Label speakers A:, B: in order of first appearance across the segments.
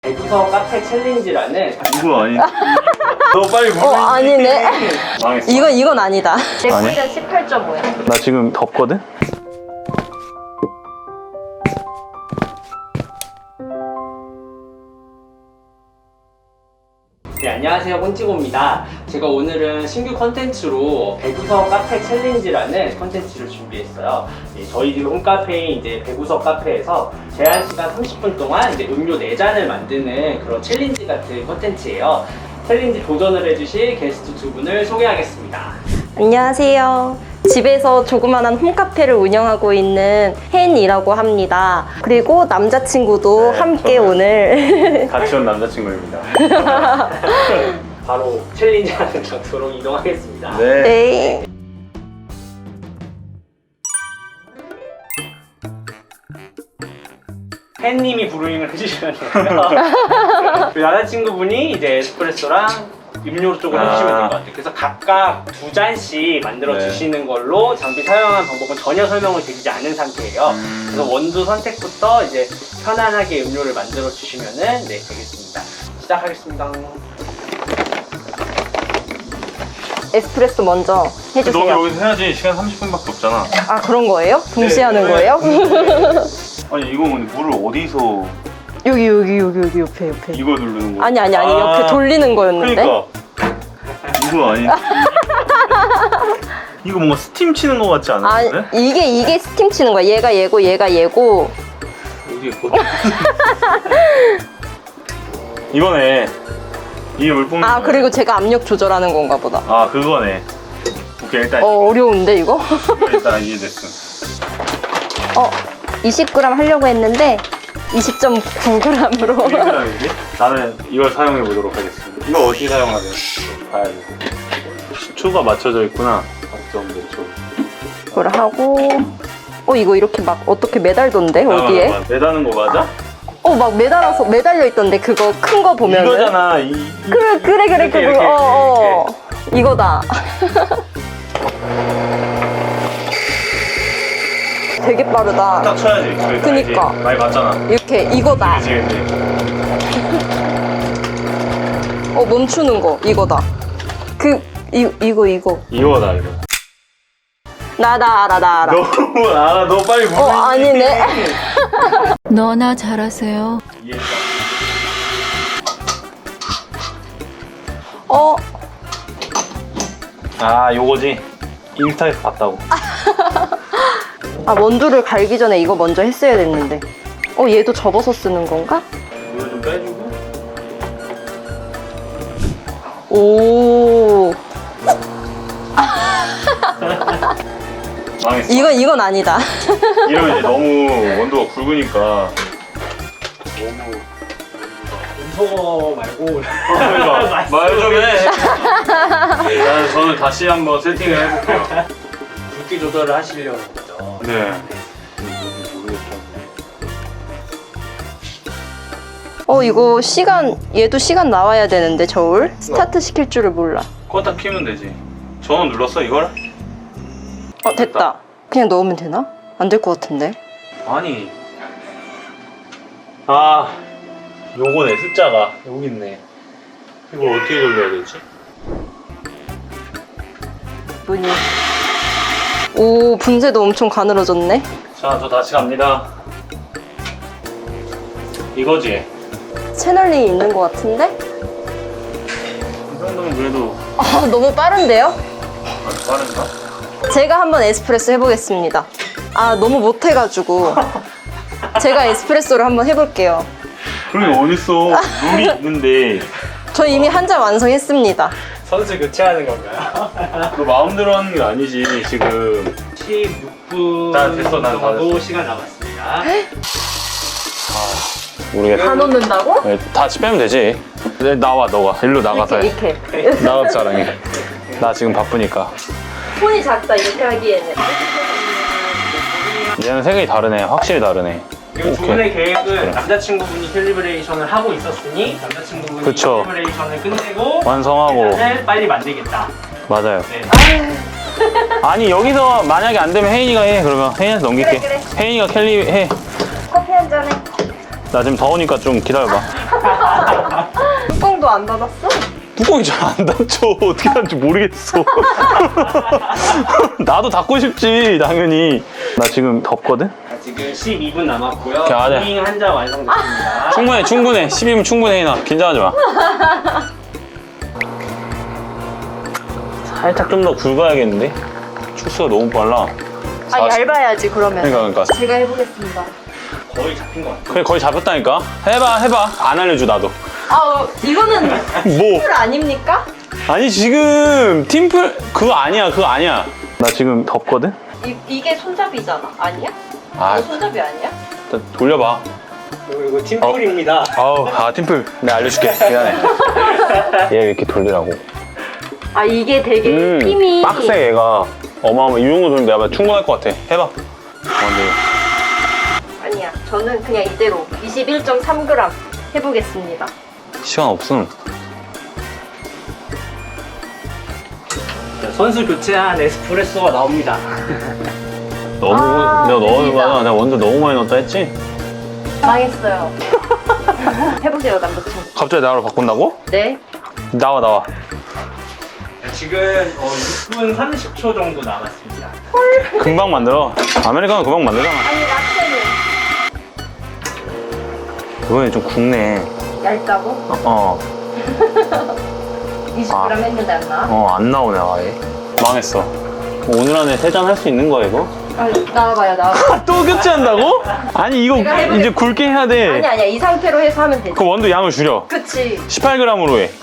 A: 배구서 카페 챌린지라는
B: 이거 아니? 너 빨리 보내.
C: 아니네.
B: 망했어.
C: 이건 아니다. 제
B: 아니?
C: 꿀은 18.5야.
B: 나 지금 덥거든?
A: 네, 안녕하세요. 꼰찌고입니다. 제가 오늘은 신규 컨텐츠로 배구서 카페 챌린지라는 컨텐츠를 준비했어요. 네, 저희 집 홈카페인 이제 배구서 카페에서 제한 시간 30분 동안 이제 음료 4잔을 만드는 그런 챌린지 같은 컨텐츠예요. 챌린지 도전을 해주실 게스트 두 분을 소개하겠습니다.
C: 안녕하세요. 집에서 조그만한 홈카페를 운영하고 있는 헨이라고 합니다. 그리고 남자친구도
B: 네,
C: 함께
B: 저는
C: 오늘
B: 같이 온 남자친구입니다.
A: 바로 챌린지하는 장소로 이동하겠습니다.
B: 네.
C: 네.
A: 팬님이 브루잉을 해주시면 되고요. 그 남자친구분이 이제 에스프레소랑 음료 쪽으로 해주시면 될 것 같아요. 그래서 각각 2잔씩 만들어
B: 네.
A: 주시는 걸로 장비 사용하는 방법은 전혀 설명을 드리지 않은 상태예요. 그래서 원두 선택부터 이제 편안하게 음료를 만들어 주시면은 네, 되겠습니다. 시작하겠습니다.
C: 에스프레소 먼저
B: 너
C: 해주세요.
B: 여기서 해야지. 시간 30분밖에 없잖아.
C: 아, 그런 거예요? 동시에
A: 네.
C: 하는 거예요?
B: 아니 이거 근데 물을 어디서
C: 여기 옆에.
B: 이거 누르는 거야?
C: 아니, 옆에 돌리는 거였는데?
B: 그러니까 이거 아니? 이거 뭔가 스팀 치는 거 같지
C: 아,
B: 않은데?
C: 이게 스팀 치는 거야. 얘가 얘고.
B: 어디 있고? 이거네. 이게 물 뿜는
C: 아,
B: 거야.
C: 그리고 제가 압력 조절하는 건가 보다.
B: 아 그거네. 오케이 일단
C: 어려운데, 이거?
B: 일단 이해됐어.
C: 20g 하려고 했는데 20.9g으로.
B: 1g이지? 나는 이걸 사용해 보도록 하겠습니다. 이거 어떻게 사용하냐? 봐야 돼. 추가 맞춰져 있구나. 4.5초.
C: 그걸 하고. 이거 이렇게 막 어떻게 매달던데, 어디에?
B: 매다는 거 맞아?
C: 막 매달려 있던데, 그거 큰 거 보면은.
B: 이거잖아.
C: 그래,
B: 이렇게,
C: 그거. 이거다. 되게 빠르다.
B: 딱 쳐야지.
C: 그니까.
B: 알지? 많이 맞잖아.
C: 이렇게, 이거다.
B: 그치.
C: 멈추는 거, 이거다. 이거.
B: 이거다 이거.
C: 나 알아.
B: 너무 알아. 너 빨리 보내.
C: 아니네.
D: 너나 잘하세요.
B: 이해했다. 아 요거지. 인스타에서 봤다고.
C: 원두를 갈기 전에 이거 먼저 했어야 됐는데. 얘도 접어서 쓰는 건가?
B: 이거 좀 빼주고.
C: 오.
B: 망했어.
C: 이건 아니다.
B: 이러면 이제 너무 원두가 굵으니까.
A: 음소거 말고
B: 그러니까 말 좀 해. 저는 다시 한번 세팅을 해볼게요.
A: 굵기 조절을 하시려는 거죠.
B: 네.
C: 이거 얘도 시간 나와야 되는데, 저울? 스타트 시킬 줄을 몰라.
B: 껐다 키면 되지. 전원 눌렀어 이걸?
C: 됐다. 그냥 넣으면 되나? 안 될 것 같은데.
B: 아니. 요거네 숫자가 여기 있네. 이걸 어떻게 돌려야 되지?
C: 문이. 오, 분쇄도 엄청 가늘어졌네.
B: 자, 저 다시 갑니다. 이거지?
C: 채널링이 있는 것 같은데?
B: 이 정도면 그래도
C: 너무 빠른데요?
B: 아주 빠른가?
C: 제가 한번 에스프레소 해보겠습니다. 너무 못해가지고. 제가 에스프레소를 한번 해볼게요.
B: 그런 게 어딨어. 룰이 있는데.
C: 저 이미 한 잔 완성했습니다.
A: 선수 교체하는 건가요?
B: 너 마음대로 하는 게 아니지, 지금.
A: 16분
B: 난 됐어, 난 다
A: 정도
B: 됐어.
A: 시간 남았습니다.
B: 모르겠다.
C: 다 넣는다고?
B: 네, 다시 빼면 되지. 나와, 너가. 일로 나가서 해.
C: 이렇게.
B: 나가서 자랑해. 나 지금 바쁘니까.
C: 손이 작다, 이렇게 하기에는.
B: 얘는 생각이 다르네. 확실히 다르네.
A: 그리고 두 분의 계획은 남자친구분이 캘리브레이션을 하고 있었으니 남자친구분이
B: 그쵸.
A: 캘리브레이션을 끝내고
B: 완성하고.
A: 계란을 빨리 만들겠다.
B: 맞아요.
A: 네.
B: 아니, 여기서 만약에 안 되면 혜인이가 해. 그러면 혜인이한테 넘길게.
C: 그래.
B: 혜인이가 캘리 해.
C: 커피 한 잔에.
B: 나 지금 더우니까 좀 기다려봐.
C: 뚜껑도 안 닫았어?
B: 뚜껑이 잘 안 닫혀. 어떻게 닫는지 모르겠어. 나도 닫고 싶지, 당연히. 나 지금 덥거든?
A: 지금 12분 남았고요.
B: 오케이, 네.
A: 푸딩 한 잔 완성됐습니다.
B: 충분해. 10이면 충분해, 나. 긴장하지 마. 살짝 좀 더 굵어야겠는데? 축수가 너무 빨라.
C: 아, 얇아야지, 그러면.
B: 그러니까.
C: 제가 해보겠습니다.
A: 거의 잡힌 것 같아요.
B: 그래, 거의 잡혔다니까? 해봐. 안 알려줘, 나도.
C: 아, 이거는
B: 뭐?
C: 풀 아닙니까?
B: 아니, 지금 팀플, 그거 아니야. 나 지금 덥거든?
C: 이게 손잡이잖아. 아니야?
B: 아.
C: 이거 손잡이 아니야?
B: 일단 돌려봐.
A: 이거 팀플입니다.
B: 팀플. 내가 알려줄게. 미안해. 얘 이렇게 돌리라고.
C: 아, 이게 되게 힘이.
B: 빡세, 얘가. 어마어마. 이 정도 돌리면 내가 충분할 것 같아. 해봐. 근데
C: 아니야. 저는 그냥 이대로 21.3g 해보겠습니다.
B: 시간 없음.
A: 선수 교체한 에스프레소가 나옵니다.
B: 너무, 내가
C: 됩니다.
B: 내가 원두 너무 많이 넣었다 했지?
C: 망했어요. 해보세요, 남자친구.
B: 갑자기 나로 바꾼다고?
C: 네.
B: 나와.
A: 지금 6분 30초 정도 남았습니다.
B: 금방 만들어. 아메리카노 금방 만들잖아.
C: 아니, 라떼는
B: 이번에 좀 굵네.
C: 얇다고? 20g 했는데 안 나?
B: 안 나오네, 아예. 망했어. 오늘 안에 3잔 할 수 있는 거야, 이거?
C: 아, 나와봐요.
B: 또 교체한다고? 아니, 이거
C: 내가 해보겠-
B: 이제 굵게 해야 돼.
C: 아니야. 이 상태로 해서 하면 되지.
B: 그 원두 양을 줄여.
C: 그치.
B: 18g으로 해.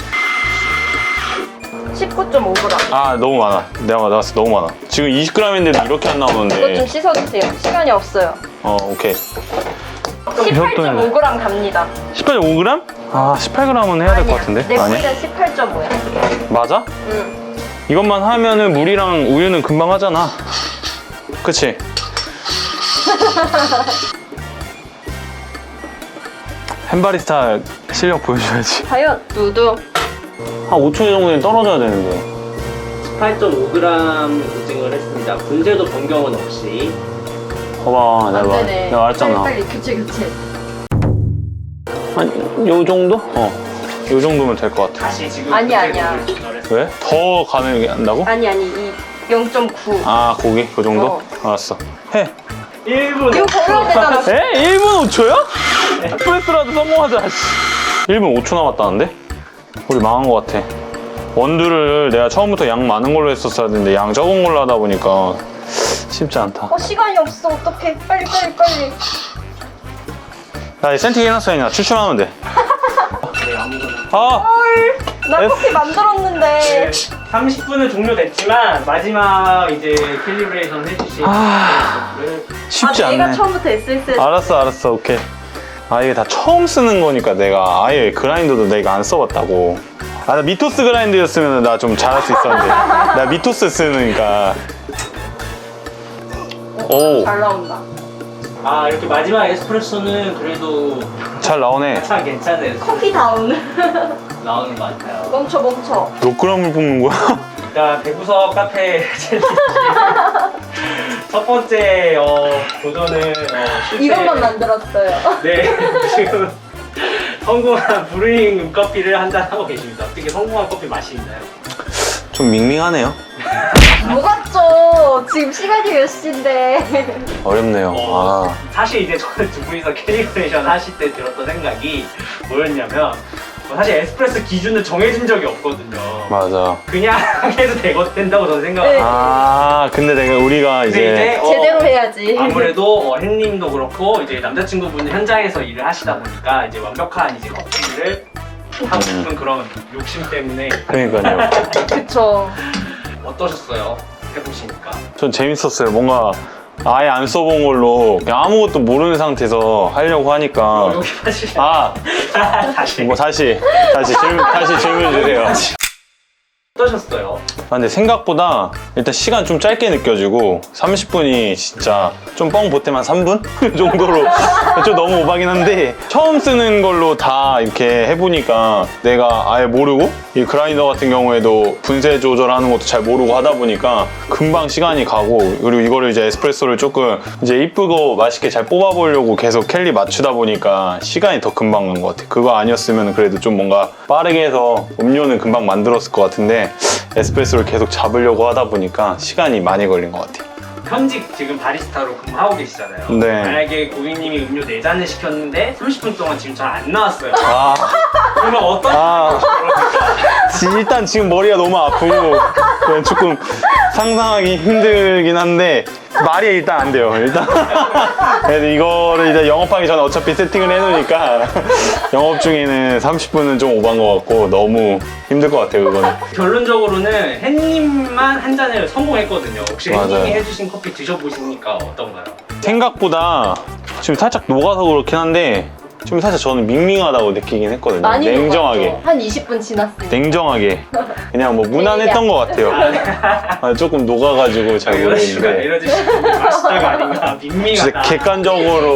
C: 19.5g.
B: 아, 너무 많아. 내가 나왔어, 너무 많아. 지금 20g인데도 이렇게 안
C: 이것 좀
B: 나오는데.
C: 씻어주세요. 시간이 없어요.
B: 오케이.
C: 18.5g 갑니다.
B: 18.5g? 아, 18g은 해야 될 것 같은데?
C: 내
B: 아니야?
C: 물은 18.5야.
B: 맞아?
C: 응.
B: 이것만 하면은 물이랑 우유는 금방 하잖아. 그치? 햄바리스타 실력 보여줘야지.
C: 과연 누드.
B: 한 5초 정도는 떨어져야 되는데.
A: 18.5g 인증을 했습니다. 분재도 변경은 없이.
B: 봐봐,
C: 안
B: 내가
C: 되네.
B: 내가 말했잖아.
C: 빨리 교체.
B: 한 요 정도? 요 정도면 될 것 같아.
A: 다시 지금
C: 아니야.
A: 분재도를
B: 왜? 더 가능한다고?
C: 아니, 이 0.9.
B: 아, 고기? 그 정도? 알았어. 해.
A: 1분
C: 이거 걸어야 되잖아.
B: 에? 1분 5초야? 프레스라도 성공하자. 씨. 1분 5초 남았다는데? 우리 망한 것 같아. 원두를 내가 처음부터 양 많은 걸로 했었어야 되는데 양 적은 걸로 하다 보니까 쉽지 않다.
C: 시간이 없어. 어떡해. 빨리.
B: 야, 센팅 해놨어, 추출하면 돼.
A: 네, 아무거나.
B: 아!
C: 나 커피 만들었는데.
A: 30분은 종료됐지만 마지막 이제 캘리브레이션 해주신 에스프레소를
B: 쉽지
C: 내가
B: 않네.
C: 처음부터 SSS.
B: 알았어, 오케이. 이게 다 처음 쓰는 거니까 내가 아예 그라인더도 내가 안 써봤다고. 나 미토스 그라인더였으면 나 좀 잘할 수 있었는데. 나 미토스 쓰니까. 오,
C: 잘 나온다.
A: 이렇게 마지막 에스프레소는 그래도
B: 잘 나오네.
A: 참 괜찮은
C: 커피 다운.
A: 나오는 것 같아요.
C: 멈춰.
B: 몇 g을 볶는 거야?
A: 일단 배구석 카페 챌린지 첫 번째 도전은 실제
C: 이것만 만들었어요.
A: 네 지금 성공한 브루잉 커피를 한잔 하고 계십니다. 어떻게 성공한 커피 맛이 있나요?
B: 좀 밍밍하네요.
C: 뭐 같죠? 지금 시간이 몇 시인데.
B: 어렵네요.
A: 사실 이제 저는 두 분이서 캘리브레이션 하실 때 들었던 생각이 뭐였냐면 사실 에스프레소 기준은 정해진 적이 없거든요.
B: 맞아.
A: 그냥 해도 된다고 저는 생각합니다.
C: 네.
B: 근데 우리가 이제
C: 제대로 해야지.
A: 아무래도 햇님도 그렇고 이제 남자친구분 현장에서 일을 하시다 보니까 이제 완벽한 이제 커피를 하고 싶은 그런 욕심 때문에
B: 그러니까요.
C: 그쵸.
A: 어떠셨어요? 해보시니까.
B: 전 재밌었어요. 뭔가 아예 안 써본 걸로 그냥 아무것도 모르는 상태에서 하려고 하니까.
A: 여기 사실 다시
B: 다시 질문 주세요.
A: 어떠셨어요?
B: 아, 근데 생각보다 일단 시간 좀 짧게 느껴지고 30분이 진짜 좀 뻥 보태면 3분 정도로 좀 너무 오바긴 한데 처음 쓰는 걸로 다 이렇게 해보니까 내가 아예 모르고 이 그라인더 같은 경우에도 분쇄 조절하는 것도 잘 모르고 하다 보니까 금방 시간이 가고 그리고 이거를 이제 에스프레소를 조금 이제 이쁘고 맛있게 잘 뽑아보려고 계속 캘리 맞추다 보니까 시간이 더 금방 간 것 같아. 그거 아니었으면 그래도 좀 뭔가 빠르게 해서 음료는 금방 만들었을 것 같은데 에스프레소를 계속 잡으려고 하다 보니까 시간이 많이 걸린 것 같아.
A: 현직 지금 바리스타로 근무하고 계시잖아요.
B: 네.
A: 만약에 고객님이 음료 4잔을 시켰는데 30분 동안 지금 잘 안 나왔어요.
B: 아,
A: 그러면 어떤
B: 아. 일단 지금 머리가 너무 아프고 그냥 조금 상상하기 힘들긴 한데 말이 일단 안 돼요. 일단 그래도 이거를 이제 영업하기 전에 어차피 세팅을 해놓으니까 영업 중에는 30분은 좀 오반 것 같고 너무 힘들 것 같아요. 그거는.
A: 결론적으로는 햇님만 한 잔을 성공했거든요. 혹시
B: 맞아요.
A: 햇님이 해주신 커피 드셔보시니까 어떤가요?
B: 생각보다 지금 살짝 녹아서 그렇긴 한데 지금 살짝 저는 밍밍하다고 느끼긴 했거든요.
C: 많이
B: 냉정하게.
C: 녹았죠. 한 20분 지났으니까.
B: 냉정하게 그냥 뭐 무난했던 것 같아요. 아, 조금 녹아가지고 잘 모르겠는데
A: 이러주시면 맛있다가 아닌가
B: 진짜
A: 밍밍하다.
B: 객관적으로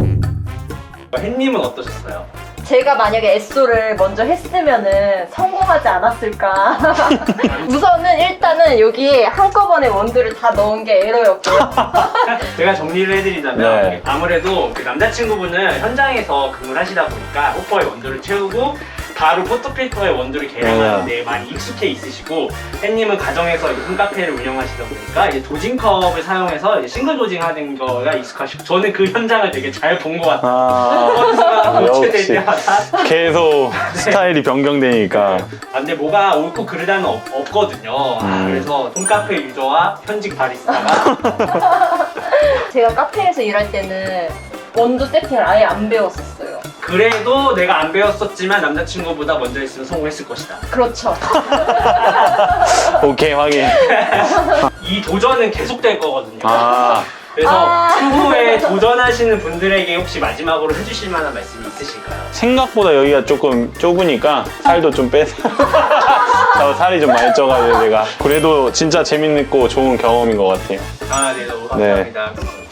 A: 햇님은 어떠셨어요?
C: 제가 만약에 에쏘를 먼저 했으면은 성공하지 않았을까. 우선은 일단은 여기 한꺼번에 원두를 다 넣은 게 에러였고요.
A: 제가 정리를 해드리자면
B: 네.
A: 아무래도 그 남자친구분은 현장에서 근무를 하시다 보니까 호퍼에 원두를 채우고 바로 포토필터에 원두를 계량하는데 많이 익숙해 있으시고 햇님은 가정에서 이제 홈카페를 운영하시다 보니까 이제 도징컵을 사용해서 이제 싱글 도징하는 거가 익숙하시고 저는 그 현장을 되게 잘 본 것 같아요.
B: 아,
A: 선수가 교체될
B: 역시.
A: 때마다
B: 계속 스타일이 변경되니까
A: 근데 뭐가 옳고 그르다는 없거든요. 그래서 홈카페 유저와 현직 바리스타가
C: 제가 카페에서 일할 때는 원두 세팅을 아예 안 배웠었어요.
A: 그래도 내가 안 배웠었지만 남자친구보다 먼저 했으면 성공했을 것이다.
C: 그렇죠.
B: 오케이 확인.
A: 이 도전은 계속될 거거든요.
B: 아,
A: 그래서 추후에 도전하시는 분들에게 혹시 마지막으로 해주실 만한 말씀이 있으실까요?
B: 생각보다 여기가 조금 좁으니까 살도 좀 빼서 저 살이 좀 많이 쪄가지고 제가 그래도 진짜 재밌고 좋은 경험인 것 같아요.
A: 아, 네, 너무 감사합니다.